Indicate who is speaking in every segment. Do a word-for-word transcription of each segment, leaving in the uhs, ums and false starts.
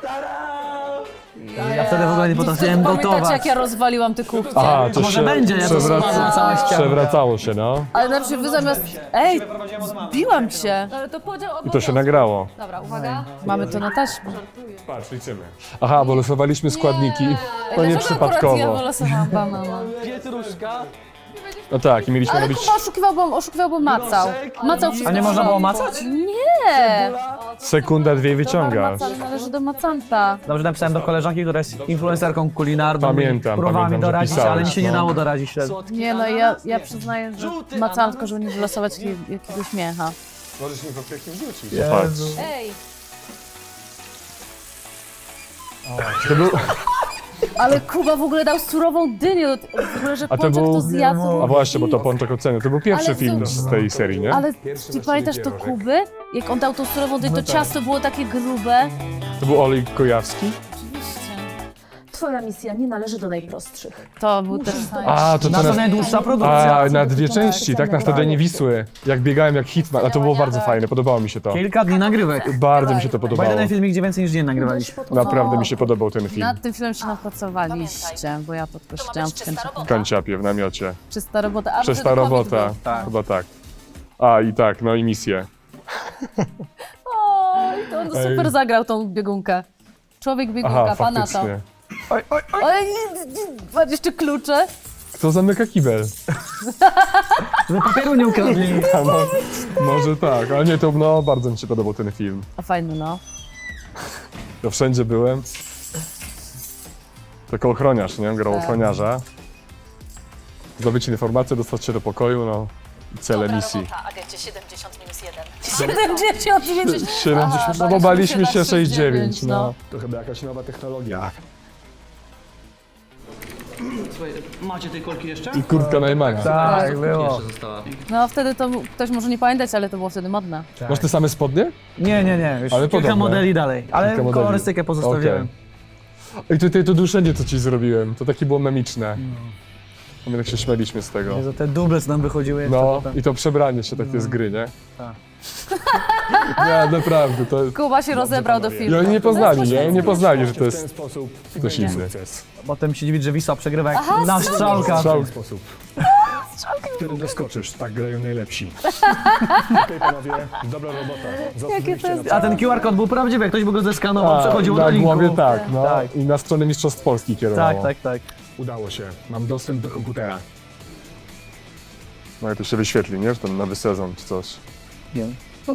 Speaker 1: Ja wtedy w ogóle nie potrafiłem
Speaker 2: Pamiętacie,
Speaker 1: gotować.
Speaker 2: jak ja rozwaliłam te kuchnie?
Speaker 3: Aha, to
Speaker 1: może
Speaker 3: się
Speaker 1: będzie, ja to
Speaker 3: przewraca...
Speaker 1: zobaczę całe ściany.
Speaker 3: przewracało się, no.
Speaker 2: Ale na przykład wy zamiast... Ej, zbiłam cię. Ale to podział
Speaker 3: I to się nagrało.
Speaker 2: Dobra, uwaga. Mamy to na taśmie.
Speaker 3: Patrz, liczymy. Aha, bo losowaliśmy składniki. To nie
Speaker 2: Ja
Speaker 3: przypadkowo.
Speaker 2: wylosowałam banana.
Speaker 4: Pietruszka.
Speaker 3: No tak, i mieliśmy
Speaker 2: Ale
Speaker 3: robić
Speaker 2: Kuba oszukiwał, bo, oszukiwał, bo macał. Macał wszystko.
Speaker 1: A nie można było macać?
Speaker 2: Nie!
Speaker 3: sekunda, dwie wyciągasz.
Speaker 2: Macany należy do macanta.
Speaker 1: Dobrze napisałem do koleżanki, która jest influencerką kulinarną.
Speaker 3: Pamiętam,
Speaker 1: Próbowała mi
Speaker 3: pamiętam, że
Speaker 1: doradzić,
Speaker 3: pisałeś,
Speaker 1: ale mi się nie
Speaker 3: no.
Speaker 1: dało doradzić wtedy.
Speaker 2: Nie no, ja, ja przyznaję, że macałam tylko, żeby nie wylosować jakiego- jakiegoś miecha.
Speaker 3: Możesz mi po pięknym rzucić.
Speaker 1: Jezu.
Speaker 2: Ej!
Speaker 3: To był...
Speaker 2: Ale Kuba w ogóle dał surową dynię, w ogóle, że
Speaker 3: A to
Speaker 2: Pączek
Speaker 3: był-
Speaker 2: to zjadł.
Speaker 3: A właśnie, bo to Pączek ocenił. To był pierwszy
Speaker 2: Ale
Speaker 3: film
Speaker 2: z-
Speaker 3: z tej serii, nie?
Speaker 2: Ale ty pamiętasz to Kuby? Jak on dał tą surową dynię, to ciasto było takie grube.
Speaker 3: To był Olej Kojawski?
Speaker 2: Oczywiście.
Speaker 5: Twoja misja nie należy do najprostszych.
Speaker 2: To był też...
Speaker 3: A, to to
Speaker 1: Nasza
Speaker 3: na...
Speaker 1: najdłuższa produkcja.
Speaker 3: A, na dwie części, tak? Na Stadionie Wisły. Jak biegałem jak Hitman, a to było bardzo fajne, podobało mi się to.
Speaker 1: Kilka dni nagrywek.
Speaker 3: Bardzo mi się to
Speaker 1: Bo
Speaker 3: podobało.
Speaker 1: jeden filmik, gdzie więcej niż dzień nagrywaliśmy.
Speaker 3: Naprawdę mi się podobał ten film.
Speaker 2: Nad tym filmem się napracowaliście, bo ja to tylko siedziałam w końcu.
Speaker 3: W kanciapie, w namiocie.
Speaker 2: Czysta robota. A,
Speaker 3: Czysta
Speaker 2: wtedy COVID
Speaker 3: robota.
Speaker 2: był.
Speaker 1: Tak.
Speaker 3: Chyba tak. A, i tak, no i misję.
Speaker 2: Oj, to on super
Speaker 3: Ej.
Speaker 2: zagrał tą biegunkę. Człowiek biegunka,
Speaker 3: Aha,
Speaker 2: pana to.
Speaker 3: faktycznie.
Speaker 1: Oj, oj, oj.
Speaker 2: Ale patrz, jeszcze klucze.
Speaker 3: Kto zamyka kibel?
Speaker 1: Żeby papieru nie ukradli.
Speaker 3: A, no, może tak, ale nie, to no, bardzo mi się podobał ten film.
Speaker 2: A fajny, no.
Speaker 3: To wszędzie byłem. Tylko ochroniarz, nie? Grał
Speaker 2: Tak.
Speaker 3: ochroniarza. Zdobyć informację, dostać się do pokoju, no. I cele misji.
Speaker 5: agencie siedemdziesiąt minus jeden.
Speaker 2: siedemdziesiąt dziewięć.
Speaker 3: siedemdziesiąt, no bo baliśmy się sześćdziesiąt dziewięć, no.
Speaker 6: To chyba jakaś nowa technologia.
Speaker 4: Słuchaj, macie tej kolki jeszcze?
Speaker 3: I kurtka Najmana.
Speaker 1: Tak, było.
Speaker 4: Została.
Speaker 2: No wtedy to ktoś może nie pamiętać, ale to było wtedy modne.
Speaker 3: Masz te same spodnie?
Speaker 1: Nie, nie, nie. Już
Speaker 3: Ale
Speaker 1: kilka
Speaker 3: podobne.
Speaker 1: modeli dalej. Ale
Speaker 3: Kilka modeli.
Speaker 1: kolorystykę pozostawiłem.
Speaker 3: I tutaj to duszenie, co ci zrobiłem, to takie było memiczne. My tak się śmialiśmy z tego.
Speaker 1: Jezu, te duble, co nam wychodziły jeszcze
Speaker 3: No,
Speaker 1: potem.
Speaker 3: i to przebranie się takie z gry, nie?
Speaker 1: Tak.
Speaker 3: Nie, naprawdę, to...
Speaker 2: Kuba się rozebrał do
Speaker 3: I
Speaker 2: filmu.
Speaker 3: oni nie poznali, nie? Oni nie poznali, że to
Speaker 6: W ten
Speaker 3: jest
Speaker 6: sposób
Speaker 3: ktoś
Speaker 6: będzie
Speaker 3: inny.
Speaker 6: sukces.
Speaker 1: Potem się dziwić, że Wisła przegrywa jak na strzałkach.
Speaker 6: W ten sposób. W którym doskoczysz, tak grają najlepsi. Okej, panowie, dobra robota. Zasłużyliście na
Speaker 1: A ten Q R kod był prawdziwy, jak ktoś by go zeskanował, przechodził
Speaker 3: na
Speaker 1: do linku.
Speaker 3: głowie tak, no.
Speaker 1: Tak.
Speaker 3: I na stronę Mistrzostw Polski kierowało.
Speaker 1: Tak, tak, tak.
Speaker 6: Udało się. Mam dostęp do komputera.
Speaker 3: No i to się wyświetli, nie? Że ten nowy sezon czy coś.
Speaker 1: Wiem.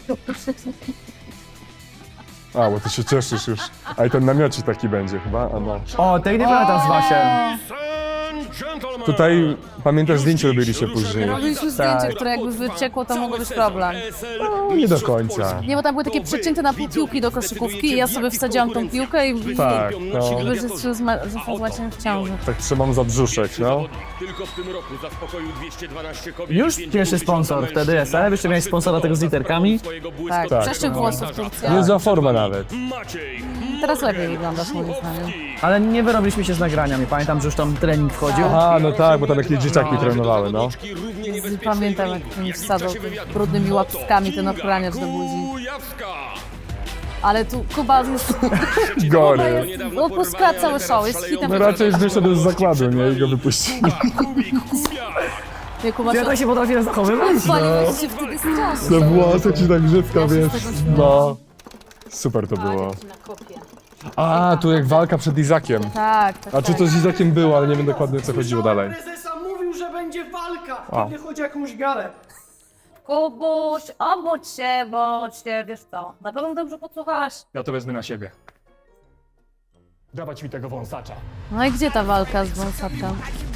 Speaker 3: A, bo ty się cieszysz już. A i ten namiocik taki będzie chyba, a no.
Speaker 1: O, tej nie pamiętam z Wasiem.
Speaker 3: Tutaj, pamiętasz, zdjęcie robiliście później?
Speaker 2: Robiliśmy zdjęcie, które jakby wyciekło, to mogło być problem.
Speaker 3: No, nie do końca.
Speaker 2: Nie, bo tam były takie przecięte na pół piłki do koszykówki i ja sobie wsadziłam tą piłkę i
Speaker 3: Tak, no.
Speaker 2: jakby, że z- z ma- został z Maciem w ciąży.
Speaker 3: Tak trzymam za brzuszek, no.
Speaker 7: Tylko w tym roku zaspokoił dwieście dwanaście kobiet.
Speaker 1: Już pierwszy sponsor wtedy jest, ale jeszcze miałeś sponsora tego z literkami.
Speaker 2: Tak,
Speaker 3: Tak.
Speaker 2: przeszczep włosów Turcja.
Speaker 3: Nie za forma nawet.
Speaker 7: Maciej.
Speaker 2: Teraz lepiej wyglądasz moim zdaniem.
Speaker 1: Ale nie wyrobiliśmy się z nagraniami. Pamiętam, że już tam trening wchodził.
Speaker 3: A, no tak, bo tam jakieś dzieciaki trenowały, no.
Speaker 2: Pamiętam, jak mi wsadzał tymi brudnymi łapskami ten ochraniacz do buzi.
Speaker 7: Kujawska.
Speaker 2: Ale tu Kuba jest...
Speaker 3: Gory.
Speaker 2: Opuska cały show, jest hitem.
Speaker 3: No raczej wyszedł z zakładu, nie? I go wypuścili.
Speaker 2: Nie, Kuba,
Speaker 1: Ja tak się potrafię zachowywać.
Speaker 2: paliłeś się wtedy strasznie.
Speaker 3: To włosy ci tak grzywka, wiesz.
Speaker 2: z tego śmieję.
Speaker 3: No. Super to było. A, tu jak walka przed Izakiem.
Speaker 2: Tak, tak,
Speaker 3: A czy to z Izakiem było, ale nie wiem dokładnie o co chodziło dalej.
Speaker 4: Prezesa mówił, że będzie walka,
Speaker 3: A.
Speaker 4: kiedy chodzi o jakąś galę.
Speaker 2: Kubuś, obudź się, bądź się, wiesz co, na pewno dobrze podsłuchałaś.
Speaker 6: Ja to wezmę na siebie. Dawać mi tego wąsacza.
Speaker 2: No i gdzie ta walka z wąsaczem?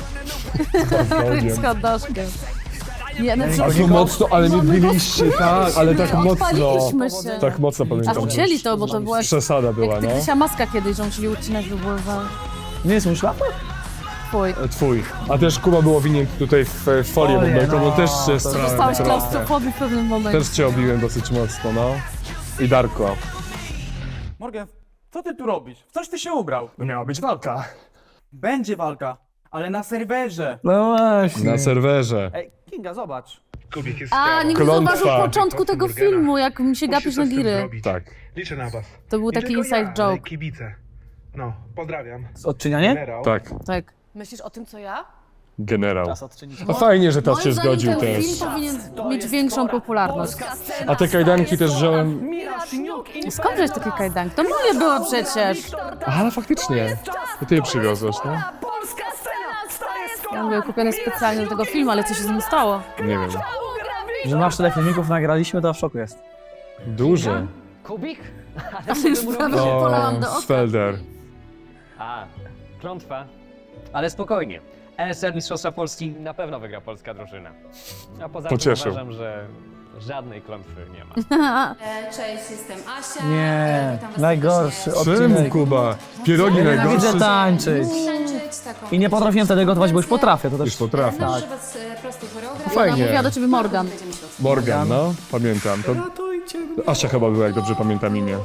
Speaker 2: Z choddoszkiem. Nie, no
Speaker 3: Ale to mocno, ale mnie biliście, tak, ale tak mocno.
Speaker 2: odpaliliśmy się.
Speaker 3: Tak mocno
Speaker 2: Aż
Speaker 3: pamiętam.
Speaker 2: ucięli to, bo to była
Speaker 3: Przesada była,
Speaker 2: jak
Speaker 3: no.
Speaker 2: Tygrysia maska kiedyś, że musieli ucinać, by było za
Speaker 1: Nie jest mój szlafrok?
Speaker 2: twój.
Speaker 3: Twój. A też Kuba był owinięty tutaj w e, folię
Speaker 1: Folię,
Speaker 3: bąbelkową,
Speaker 1: no,
Speaker 3: też
Speaker 1: to
Speaker 3: się
Speaker 1: Dostałeś
Speaker 2: Stałeś
Speaker 3: trochę.
Speaker 2: klaustrofobii w pewnym momencie.
Speaker 3: Też cię obiłem dosyć mocno, no. I Darko.
Speaker 8: Morgan, co ty tu robisz? W coś ty się ubrał?
Speaker 6: No miała być walka.
Speaker 8: Będzie walka, ale na serwerze.
Speaker 1: No właśnie.
Speaker 3: Na serwerze.
Speaker 8: Ej, Kinga, zobacz.
Speaker 9: Kubik jest
Speaker 2: A, nikt nie
Speaker 3: Klątwa.
Speaker 2: zauważył początku tego
Speaker 9: Burgera.
Speaker 2: filmu, jak mi się
Speaker 9: Musisz
Speaker 2: gapisz
Speaker 9: coś
Speaker 2: na
Speaker 9: z tym
Speaker 2: giry.
Speaker 9: zrobić.
Speaker 3: Tak.
Speaker 9: Liczę na was.
Speaker 2: To był
Speaker 9: Nie
Speaker 2: taki
Speaker 9: tylko
Speaker 2: inside
Speaker 9: ja, ale
Speaker 2: joke.
Speaker 9: kibice. No, pozdrawiam.
Speaker 1: Odczynianie?
Speaker 9: Generał.
Speaker 3: Tak,
Speaker 2: Tak.
Speaker 5: Myślisz o tym, co ja?
Speaker 3: generał.
Speaker 1: Czas odczynić.
Speaker 3: A fajnie, że tas
Speaker 2: Moim
Speaker 3: się
Speaker 2: zdaniem
Speaker 3: zgodził
Speaker 2: ten
Speaker 3: też.
Speaker 2: film powinien mieć większą popularność.
Speaker 3: A te kajdanki też wziąłem...
Speaker 2: Skąd żeś takie kajdanki? To moje były przecież.
Speaker 3: Aha, ale faktycznie. To ty je przywiozłeś, no?
Speaker 2: Ja były kupione specjalnie do tego filmu, ale co się z nim stało?
Speaker 3: Nie wiem.
Speaker 1: Że masz tyle filmików nagraliśmy, to w szoku jest.
Speaker 3: Duże.
Speaker 4: Kubik?
Speaker 2: Ale już prawie się polałam do
Speaker 3: O,
Speaker 2: oka.
Speaker 3: Sfelder.
Speaker 10: A, klątwa. Ale spokojnie. E S L Mistrzostwa Polski na pewno wygra polska drużyna. A poza
Speaker 3: Pocieszył.
Speaker 10: tym uważam, że żadnej klątwy nie ma.
Speaker 5: Cześć, jestem Asia.
Speaker 1: Nie, najgorszy
Speaker 3: Czemu,
Speaker 1: odcinek.
Speaker 3: Kuba? Pierogi
Speaker 1: Ja
Speaker 3: najgorsze.
Speaker 1: nienawidzę tańczyć. I nie potrafiłem wtedy gotować, bo już potrafię, to
Speaker 3: Już
Speaker 1: też...
Speaker 3: potrafię.
Speaker 5: Was prosty choreograf.
Speaker 2: Ona
Speaker 3: Fajnie.
Speaker 2: mówiła do ciebie Morgan.
Speaker 3: Morgan, no. Pamiętam. To... Asia chyba była, jak dobrze pamiętam imię.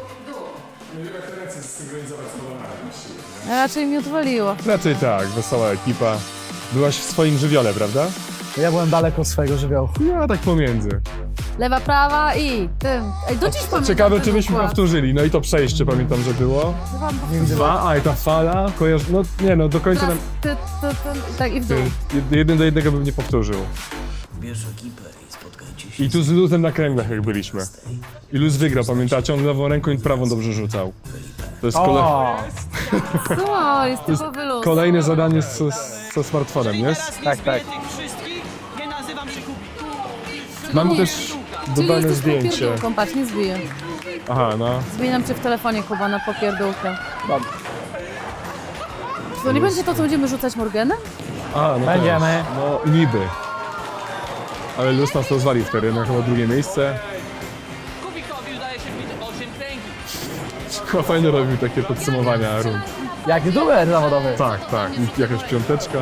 Speaker 2: A raczej mi odwaliło.
Speaker 3: Raczej tak, wesoła ekipa. Byłaś w swoim żywiole, prawda?
Speaker 1: Ja byłem daleko od swojego żywiołu.
Speaker 3: Ja tak pomiędzy.
Speaker 2: Lewa, prawa i tym. Ej, do dziś pamiętam.
Speaker 3: Ciekawe,
Speaker 2: ten
Speaker 3: czy byśmy
Speaker 2: układ.
Speaker 3: powtórzyli. No i to przejście pamiętam, że było. Dwa, a i ta fala, kojarzy... No nie no, do końca nam...
Speaker 2: Ty, ty, ty, tak i w dół.
Speaker 3: Ty, jeden do jednego bym nie powtórzył. I tu z Luzem na kręglach jak byliśmy. I Luz wygrał, pamiętacie? On lewą ręką i prawą dobrze rzucał. To jest kole...
Speaker 1: O,
Speaker 2: Co? Jest typowy luz.
Speaker 3: kolejne zadanie z, z, ze smartfonem, nie?
Speaker 1: tak, tak.
Speaker 4: Tych wszystkich nie nazywam się Kubik.
Speaker 3: Mam
Speaker 2: nie.
Speaker 3: też
Speaker 2: Czyli
Speaker 3: dodane
Speaker 2: jesteś
Speaker 3: zdjęcie.
Speaker 2: popierdółką, patrz, nie zbiję.
Speaker 3: Aha, no.
Speaker 2: Zmieniam cię w telefonie, Kuba, na popierdółkę. Czy to nie będzie to, co będziemy rzucać Morganem?
Speaker 3: A, no
Speaker 1: Będziemy.
Speaker 3: też. No niby. Ale Luz nas rozwalił wtedy, na chyba drugie miejsce.
Speaker 4: Kubikowi udaje się wbić osiem kręgi.
Speaker 3: Chyba fajnie robił takie podsumowania rund.
Speaker 1: Jak duet zawodowy.
Speaker 3: Tak, tak. I jakaś piąteczka.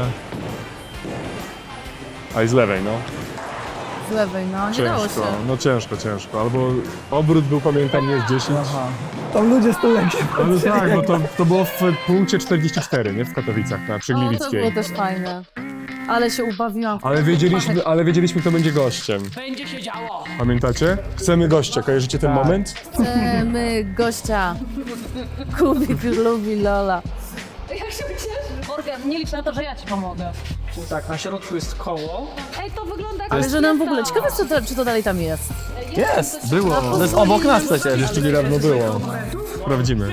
Speaker 3: A i z lewej, no.
Speaker 2: Z lewej, no, nie dało się.
Speaker 3: Ciężko, no ciężko, ciężko. Albo obrót był, pamiętam, jest dziesięć.
Speaker 1: Aha. Tam ludzie z tyłu jak się
Speaker 3: Ale tak, bo to, to było w punkcie czterdzieści cztery, nie? W Katowicach, na
Speaker 2: O, to
Speaker 3: Przegliwickiej.
Speaker 2: było też fajne. Ale się ubawiłam.
Speaker 3: Ale wiedzieliśmy, ale wiedzieliśmy, kto będzie gościem.
Speaker 4: Będzie się działo.
Speaker 3: Pamiętacie? Chcemy gościa, kojarzycie ten moment?
Speaker 2: Chcemy gościa. Kubik lubi Lola.
Speaker 5: Morgan, nie licz na to, że ja ci pomogę.
Speaker 4: Tak, na środku jest koło.
Speaker 5: Ej, to wygląda jak...
Speaker 2: Ale że nam w ogóle, ciekawe co to, czy to dalej tam jest.
Speaker 1: Jest!
Speaker 3: Było.
Speaker 1: To jest obok nas przecież.
Speaker 3: Jeszcze niedawno było. Sprawdzimy.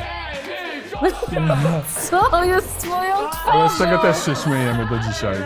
Speaker 2: Co jest z moją twarzą?
Speaker 3: Ale z tego też się śmiejemy do dzisiaj.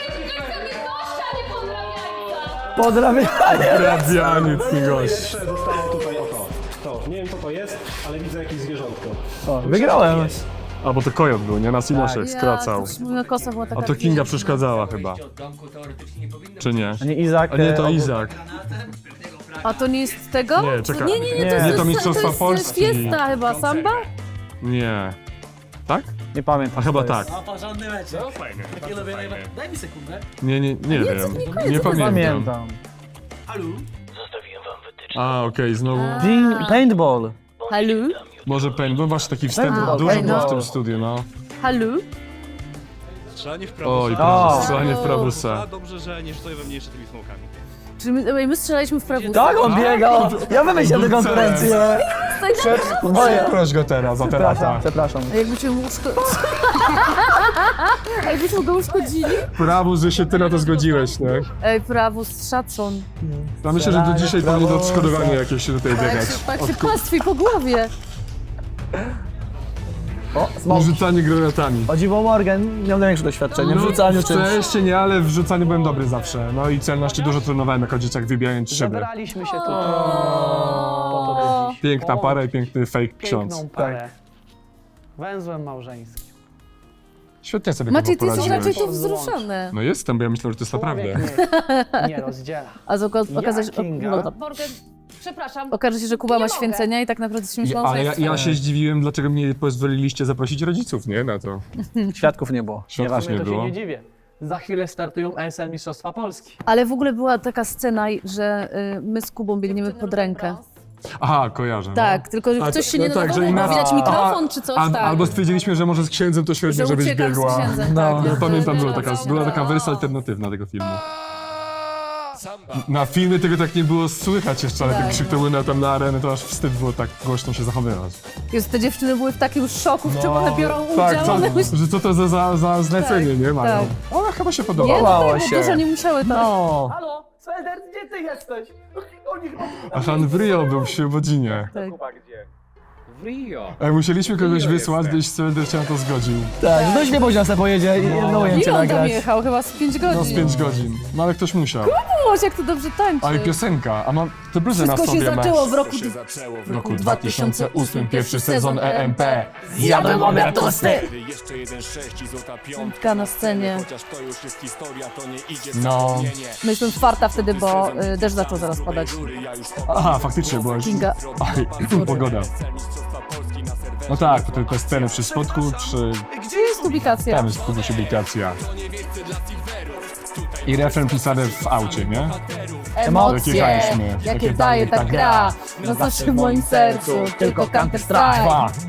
Speaker 1: Pozdrawiam!
Speaker 3: Rabianiec, nie gość.
Speaker 6: Jeszcze zostało tutaj oto. To, nie wiem co to jest, ale widzę jakieś zwierzątko.
Speaker 1: O, wygrałem.
Speaker 3: A, bo to kojot był, nie? Nas Inoszek skracał.
Speaker 2: Ja, moja kosa była taka...
Speaker 3: A to Kinga przeszkadzała chyba. Czy nie?
Speaker 1: A nie Izak.
Speaker 3: A nie, to
Speaker 1: e,
Speaker 3: Izak.
Speaker 2: A to nie jest tego?
Speaker 3: Nie, czekaj.
Speaker 2: Nie, nie, nie, to
Speaker 1: Nie.
Speaker 2: jest,
Speaker 3: Nie, to
Speaker 2: to
Speaker 3: Mistrzostwa
Speaker 2: jest
Speaker 3: Polski.
Speaker 2: fiesta chyba, samba?
Speaker 3: Nie. Tak?
Speaker 1: Nie pamiętam.
Speaker 3: A chyba
Speaker 1: co to jest.
Speaker 3: tak.
Speaker 4: A porządny meczek. No fajnie. Takie lubię najbardziej. Daj mi sekundę.
Speaker 3: Nie, nie, nie wiem. Nie pamiętam.
Speaker 1: Pamiętam.
Speaker 4: Halo?
Speaker 3: A, okej, znowu.
Speaker 1: Ding, paintball.
Speaker 2: Halo?
Speaker 3: Może paint, bo masz taki wstęp,
Speaker 2: A,
Speaker 3: dużo
Speaker 2: okej,
Speaker 3: było
Speaker 2: no.
Speaker 3: w tym studiu, no.
Speaker 2: Halo?
Speaker 7: Strzelanie w prawo.
Speaker 3: Oj,
Speaker 1: O.
Speaker 3: strzelanie w prawusa.
Speaker 7: Dobrze, że nie rzucają we mnie jeszcze tymi smokami.
Speaker 2: Czy my, ej, my strzelaliśmy w prawór?
Speaker 1: Tak, on biegał. Ja wymyśliłem tę konkurencję. Moje.
Speaker 3: Proś go teraz, za
Speaker 1: Przepraszam,
Speaker 3: terata.
Speaker 1: przepraszam.
Speaker 2: A jakbyśmy mu uszko... A jakbyśmy go uszkodzili?
Speaker 3: Prawo, że się ty na to zgodziłeś, nie?
Speaker 2: Ej, prawus, szacun.
Speaker 3: Ja myślę, że do dzisiaj
Speaker 1: Prawo,
Speaker 3: powinien odszkodowanie jakieś się tutaj
Speaker 2: Tak
Speaker 3: biegać.
Speaker 2: się, tak się pastwi po głowie.
Speaker 1: O, smok.
Speaker 3: Rzucanie granatami.
Speaker 1: O dziwo Morgan miał największe doświadczenie w rzucaniu
Speaker 3: w
Speaker 1: czymś.
Speaker 3: szczęście nie, ale w rzucaniu byłem dobry zawsze. No i celności dużo trenowałem jako dzieciak, wybijając szyby.
Speaker 4: Zebraliśmy się tutaj. Po to do dziś.
Speaker 3: Piękna para i piękny fake ksiądz.
Speaker 4: Piękną parę. Węzłem małżeńskim.
Speaker 3: Świetnie sobie
Speaker 2: Maciej, ty
Speaker 3: chyba
Speaker 2: jesteś raczej
Speaker 3: poradziłeś.
Speaker 2: tu wzruszony.
Speaker 3: No jestem, bo ja myślałem, że to jest naprawdę.
Speaker 4: Człowiek nie, nie rozdziela.
Speaker 2: A z oka- okaże się,
Speaker 4: Kinga?
Speaker 2: no, to-
Speaker 5: Morgan, przepraszam.
Speaker 2: okaże się, że Kuba ma
Speaker 5: mogę.
Speaker 2: święcenia i tak naprawdę się
Speaker 3: I,
Speaker 2: myślał,
Speaker 3: ale
Speaker 2: że
Speaker 3: ja,
Speaker 2: jest...
Speaker 3: ja się zdziwiłem, dlaczego mnie pozwoliliście zaprosić rodziców, nie? Na to.
Speaker 1: Świadków nie było.
Speaker 4: W
Speaker 3: Światów
Speaker 4: sumie
Speaker 3: nie
Speaker 4: to się
Speaker 3: było.
Speaker 4: nie dziwię. Za chwilę startują E S L Mistrzostwa Polski.
Speaker 2: Ale w ogóle była taka scena, że y, my z Kubą biegniemy pod rękę.
Speaker 3: Aha, kojarzę.
Speaker 2: Tak, tylko że
Speaker 3: A,
Speaker 2: ktoś
Speaker 3: to-
Speaker 2: się nie
Speaker 3: no tak,
Speaker 2: nadawał,
Speaker 3: że
Speaker 2: bo
Speaker 3: inaczej-
Speaker 2: widać
Speaker 3: a-
Speaker 2: mikrofon czy coś,
Speaker 3: No. A,
Speaker 2: tak.
Speaker 3: albo stwierdziliśmy, że może z księdzem to świetnie,
Speaker 2: że
Speaker 3: żebyś
Speaker 2: uciekam z
Speaker 3: biegła.
Speaker 2: księdzem,
Speaker 1: No.
Speaker 2: tak.
Speaker 3: Ja
Speaker 2: jest-
Speaker 3: pamiętam,
Speaker 2: jest
Speaker 3: była taka,
Speaker 2: racja.
Speaker 3: była taka wersja alternatywna tego filmu. Na filmie tego tak nie było słychać jeszcze, ale
Speaker 2: Tak,
Speaker 3: jak krzyknęły na, tam na arenę, to aż wstyd było tak głośno się zachowywać.
Speaker 2: Jest, te dziewczyny były w takim szoku, w czym one biorą udział.
Speaker 3: tak, co,
Speaker 2: one myśl...
Speaker 3: że co to za, za, za zlecenie,
Speaker 2: Tak,
Speaker 3: nie mają.
Speaker 2: tak.
Speaker 3: Ona chyba się
Speaker 2: Nie,
Speaker 3: podobała.
Speaker 1: Podobało
Speaker 2: no,
Speaker 1: się.
Speaker 2: bo dużo nie musiały tak.
Speaker 3: No,
Speaker 8: Halo, Swelder, gdzie ty jesteś? Oni chyba...
Speaker 3: a Han w Rio był w Świebodzinie.
Speaker 2: Tak.
Speaker 8: Chyba gdzie?
Speaker 10: W Rio.
Speaker 3: Ej, musieliśmy kogoś
Speaker 10: Rio
Speaker 3: wysłać,
Speaker 10: jestem.
Speaker 3: gdzieś Swelder się na to zgodził.
Speaker 1: Tak, no nie później sobie pojedzie i jedno ujęcie
Speaker 2: Ile on tam
Speaker 1: nagrać.
Speaker 2: jechał? Chyba z pięć godzin.
Speaker 3: No z pięć godzin. No ale ktoś musiał.
Speaker 2: Boże, jak to dobrze tańczy.
Speaker 3: A i piosenka, a mam te bluzy na
Speaker 2: Wszystko
Speaker 3: sobie
Speaker 2: się
Speaker 3: ma.
Speaker 2: zaczęło w roku...
Speaker 3: W roku dwa tysiące ósmym, pierwszy sezon E M P.
Speaker 1: Zjadłem obiad tosty!
Speaker 2: Piątka na scenie.
Speaker 3: No.
Speaker 2: Mieliśmy farta wtedy, bo y, deszcz zaczął zaraz padać.
Speaker 3: Aha, faktycznie była już...
Speaker 2: Kinga.
Speaker 3: Aj, pogoda. No tak, te, te sceny przy spodku, przy...
Speaker 2: Gdzie jest publikacja?
Speaker 3: Tam jest publikacja. I refren pisany w aucie, nie?
Speaker 2: Emocje,
Speaker 3: Jechaliśmy.
Speaker 2: jakie daje ta gra, roznosi w moim sercu, tylko Counter Strike.
Speaker 3: Dwa.